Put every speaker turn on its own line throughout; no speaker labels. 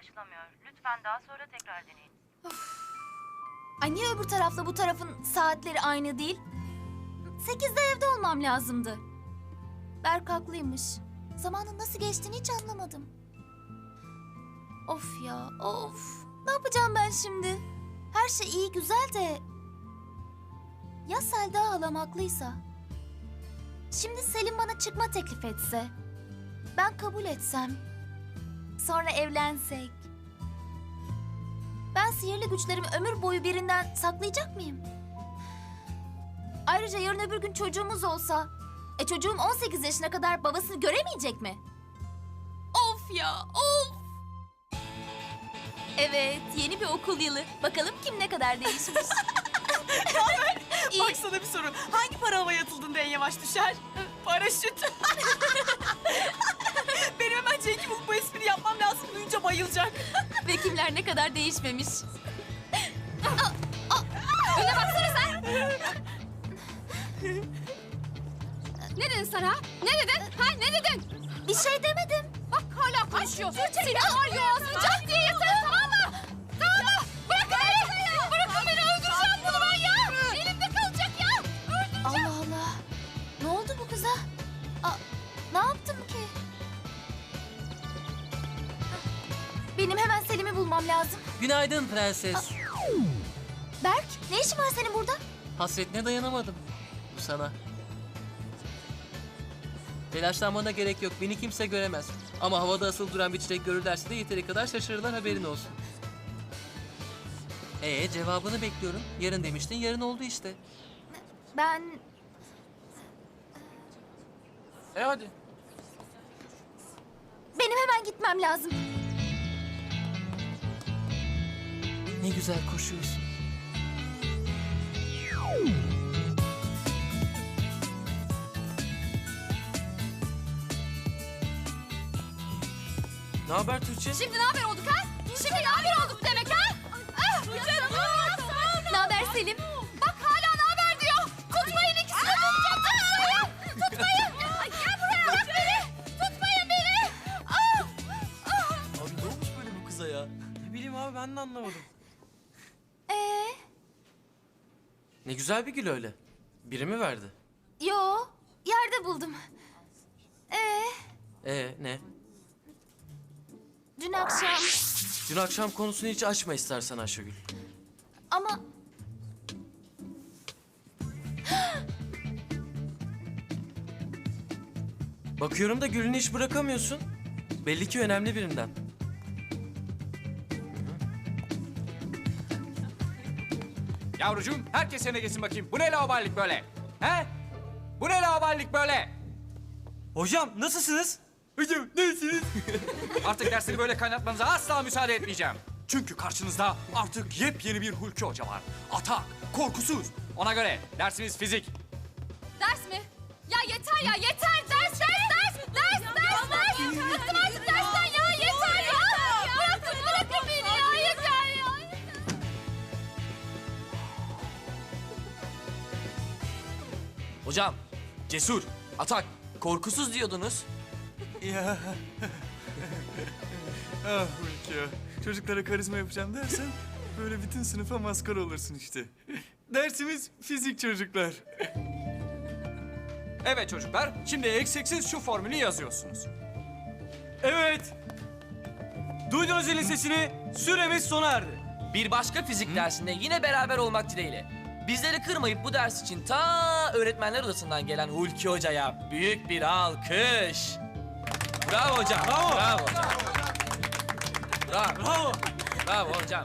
ulaşılamıyor. Lütfen daha sonra tekrar deneyin.
Ay niye öbür tarafla bu tarafın saatleri aynı değil? 8'de evde olmam lazımdı. Berk haklıymış. Zamanın nasıl geçtiğini hiç anlamadım. Of ya, of. Ne yapacağım ben şimdi? Her şey iyi güzel de... Ya Selda halam haklıysa? Şimdi Selim bana çıkma teklif etse? Ben kabul etsem? Sonra evlensek? Ben sihirli güçlerimi ömür boyu birinden saklayacak mıyım? Ayrıca yarın öbür gün çocuğumuz olsa... çocuğum 18 yaşına kadar babasını göremeyecek mi? Of ya, of! Evet, yeni bir okul yılı. Bakalım kim ne kadar değişmiş. İyi.
Bak sana bir soru. Hangi para havaya atıldığında en yavaş düşer? Paraşüt. Benim hemen Cenk'i bulup bu espri yapmam lazım. Duyunca bayılacak.
Ve kimler ne kadar değişmemiş. Öne baksana sen!
Ne dedin sen ha? Ne dedin? Ha ne dedin?
Bir şey demedim.
Bak hala konuşuyor. Seni var ya ağzını cart diye yesene, tamam mı? Tamam mı? Bırakın beni. Bırakın beni, öldüreceğim bunu ben ya. Elimde kalacak ya. Öldüreceğim.
Allah Allah. Ne oldu bu kıza? Ne yaptım ki? Benim hemen Selim'i bulmam lazım.
Günaydın prenses.
Berk, ne işin var senin burada?
Hasretine dayanamadım. Bu sana. Telaşlanmana gerek yok. Beni kimse göremez. Ama havada asılı duran bir çiçek görürlerse de yeteri kadar şaşırırlar, haberin olsun. Cevabını bekliyorum. Yarın demiştin, yarın oldu işte.
Ben...
Hadi.
Benim hemen gitmem lazım.
Ne güzel koşuyorsun. Ne haber Tuğçe?
Şimdi ne haber olduk ha? Şimdi ne haber olduk demek ha?
Ne haber Selim?
Bak hala ne haber diyor. Tutmayın, ikisini de tutacağım. Tutmayın. Ay, gel buraya. Bırak beni. Tutmayın beni.
Abi ne olmuş böyle bu kıza ya? Ne bileyim abi, ben de anlamadım. Ne güzel bir gül öyle. Biri mi verdi?
Yo, yerde buldum.
Ne?
Dün akşam...
Dün akşam konusunu hiç açma istersen Ayşegül.
Ama...
Bakıyorum da gülünü hiç bırakamıyorsun. Belli ki önemli birinden.
Yavrucuğum, herkes yerine geçsin bakayım. Bu ne laubalilik böyle? He? Bu ne laubalilik böyle?
Hocam nasılsınız? Hocam nasılsınız?
Artık dersleri böyle kaynatmanıza asla müsaade etmeyeceğim. Çünkü karşınızda artık yepyeni bir Hulki Hoca var. Atak, korkusuz. Ona göre dersimiz fizik.
Ders mi? Ya yeter ya, yeter. Ders. Bıktım artık dersten ya, yeter ya. Bırakın beni ya, yeter ya.
Hocam, cesur, atak, korkusuz diyordunuz.
Ya. Ah Hulki ya. Çocuklara karizma yapacağım dersen böyle bütün sınıfa maskara olursun işte. Dersimiz fizik çocuklar.
Evet çocuklar, şimdi eksiksiz şu formülü yazıyorsunuz.
Evet. Duydunuz zilin sesini. Süremiz sona erdi.
Bir başka fizik dersinde yine beraber olmak dileğiyle. Bizleri kırmayıp bu ders için ta öğretmenler odasından gelen Hulki Hoca'ya büyük bir alkış. Bravo hocam.
Bravo.
Bravo hocam. Bravo.
Bravo.
Bravo hocam.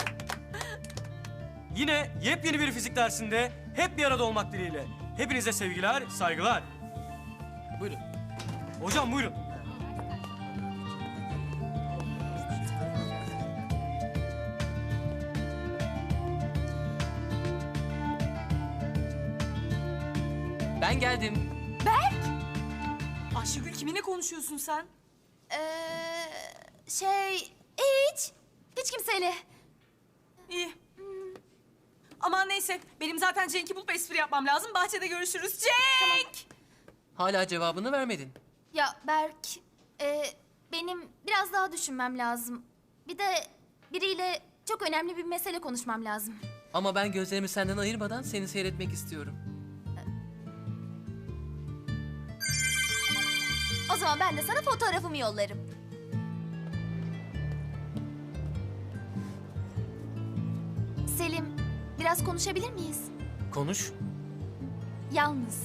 Yine yepyeni bir fizik dersinde hep bir arada olmak dileğiyle. Hepinize sevgiler, saygılar.
Buyurun.
Hocam buyurun.
Ben geldim.
Ayşegül kiminle konuşuyorsun sen?
Hiç kimseyle.
İyi. Aman neyse. Benim zaten Cenk'i bulup espri yapmam lazım. Bahçede görüşürüz. Cenk!
Hala cevabını vermedin.
Ya Berk, benim biraz daha düşünmem lazım. Bir de biriyle çok önemli bir mesele konuşmam lazım.
Ama ben gözlerimi senden ayırmadan seni seyretmek istiyorum.
O zaman ben de sana fotoğrafımı yollarım. Selim, biraz konuşabilir miyiz?
Konuş.
Yalnız.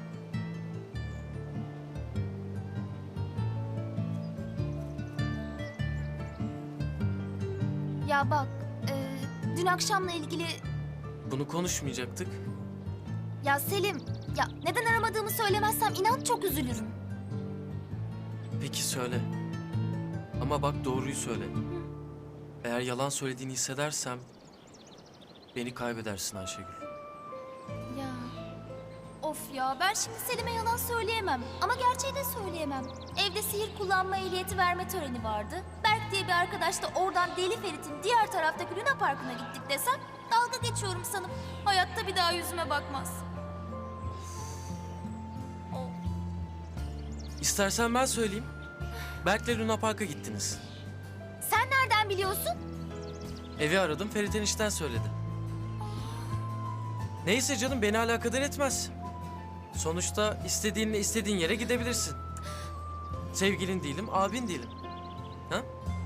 Ya bak, dün akşamla ilgili...
Bunu konuşmayacaktık.
Ya Selim, ya neden aramadığımı söylemezsem inan çok üzülürüm.
Peki söyle. Ama bak doğruyu söyle. Eğer yalan söylediğini hissedersem beni kaybedersin Ayşegül.
Ya, of ya ben şimdi Selim'e yalan söyleyemem. Ama gerçeği de söyleyemem. Evde sihir kullanma ehliyeti verme töreni vardı. Berk diye bir arkadaş da oradan Deli Ferit'in diğer taraftaki Luna Parkı'na gittik desem... dalga geçiyorum sanıp hayatta bir daha yüzüme bakmaz.
İstersen ben söyleyeyim. Berk'le Luna Park'a gittiniz.
Sen nereden biliyorsun?
Evi aradım, Ferit enişten söyledi. Neyse canım, beni alakadar etmez. Sonuçta istediğinle istediğin yere gidebilirsin. Sevgilin değilim, abin değilim. Ha?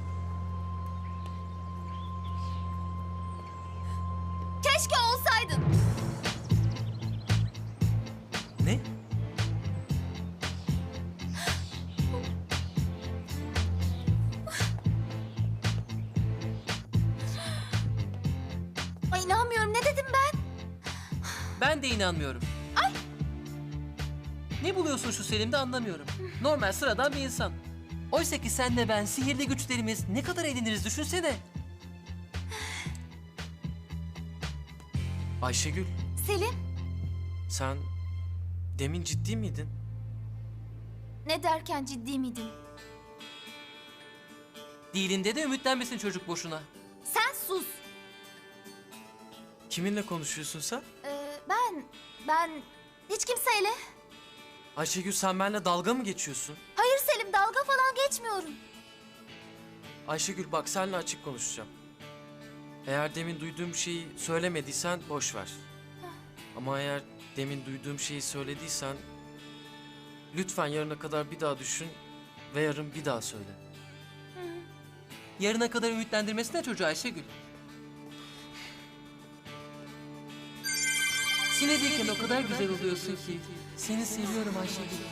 Keşke olsaydın.
Ne?
Ay inanmıyorum, ne dedim ben?
Ben de inanmıyorum. Ay! Ne buluyorsun şu Selim'de anlamıyorum. Normal sıradan bir insan. Oysa ki senle ben sihirli güçlerimiz ne kadar eğleniriz düşünsene. Ayşegül,
Selim,
sen demin ciddi miydin?
ne derken ciddi miydin?
Değilinde de ümitlenmesin çocuk boşuna.
Sen sus.
Kiminle konuşuyorsun sen?
Ben hiç kimseyle.
Ayşegül, sen benimle dalga mı geçiyorsun?
Hayır Selim, dalga falan geçmiyorum.
Ayşegül bak, seninle açık konuşacağım. Eğer demin duyduğum şeyi söylemediysen boş ver. Ama eğer demin duyduğum şeyi söylediysen... lütfen yarına kadar bir daha düşün ve yarın bir daha söyle. Yarına kadar ümitlendirmesine çocuğu Ayşegül. Sinedeyken o kadar güzel oluyorsun ki. Seni seviyorum Ayşegül.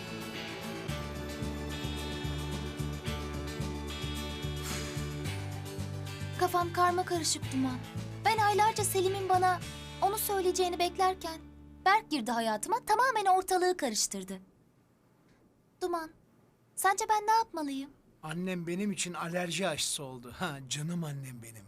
Kafam karma karışık Duman. Ben aylarca Selim'in bana onu söyleyeceğini beklerken Berk girdi hayatıma, tamamen ortalığı karıştırdı. Duman, sence ben ne yapmalıyım?
Annem benim için alerji aşısı oldu. Ha, canım annem benim.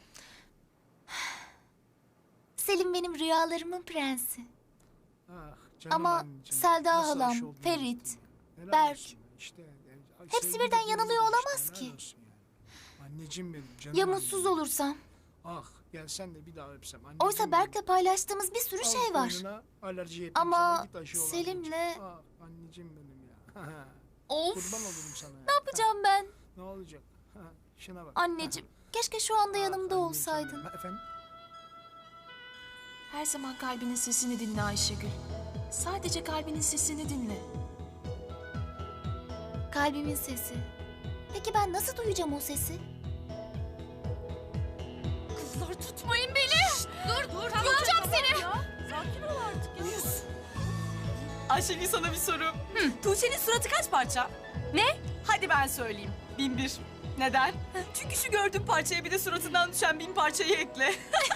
Selim benim rüyalarımın prensi.
Ah, canım
Ama
anneciğim,
Selda
nasıl
halam,
aşı oldun
Ferit,
bilmiyorum. Helal
Berk.
olsun. İşte,
Hepsi
sevgi
birden
de
yanılıyor
görüyoruz
olamaz
işte,
ki.
helal olsun yani. Anneciğim benim, canım
Ya
annem.
mutsuz olursam?
Ah, gelsen de bir daha öpsem. Anneciğim
Oysa
benim.
Berk'le paylaştığımız bir sürü
Al
şey var.
koynuna, alerji yapayım
Ama
sana, git aşı ol
Selim'le-
anneciğim. Ah, anneciğim benim ya.
Of,
Kurban olurum sana ya.
ne yapacağım ben?
Ne olacak? Ha, şuna bak.
Anneciğim, keşke şu anda
Ah,
yanımda
anneciğim
olsaydın.
benim. Ha, efendim?
Her zaman kalbinin sesini dinle Ayşegül. Sadece kalbinin sesini dinle.
Kalbimin sesi. Peki ben nasıl duyacağım o sesi?
Kızlar tutmayın beni. Dur. Yolacağım seni.
Sakin ol artık ya. Ayşegül, sana bir soru. Tuğçe'nin suratı kaç parça?
Ne?
Hadi ben söyleyeyim. 1001. Neden? Çünkü şu gördüğün parçaya bir de suratından düşen 1000 parçayı ekle.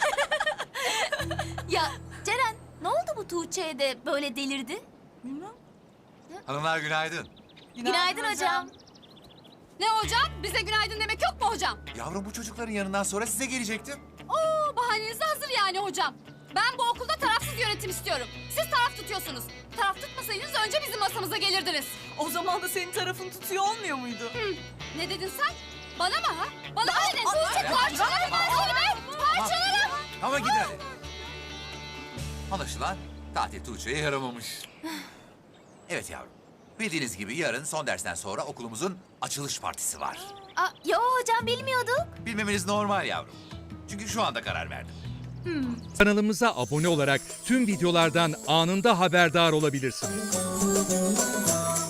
Ya Ceren, ne oldu bu Tuğçe'ye de böyle delirdi?
Bilmem.
Hanımlar günaydın.
Günaydın hocam.
Ne hocam? Bize günaydın demek yok mu hocam?
Yavrum bu çocukların yanından sonra size gelecektim.
Oo, bahaneniz hazır yani hocam. Ben bu okulda tarafsız yönetim istiyorum. Siz taraf tutuyorsunuz. Taraf tutmasaydınız önce bizim masamıza gelirdiniz.
O zaman da senin tarafın tutuyor olmuyor muydu?
Ne dedin sen? Bana mı ha? Bana mı dedin? Parçalarım ben seni be! Parçalarım!
Ama gidin hadi. Anlaşılan tatil Tuğçe'ye yaramamış. Evet yavrum. Bildiğiniz gibi yarın son dersten sonra okulumuzun açılış partisi var.
Yo hocam bilmiyorduk.
Bilmemeniz normal yavrum. Çünkü şu anda karar verdim.
Kanalımıza abone olarak tüm videolardan anında haberdar olabilirsiniz.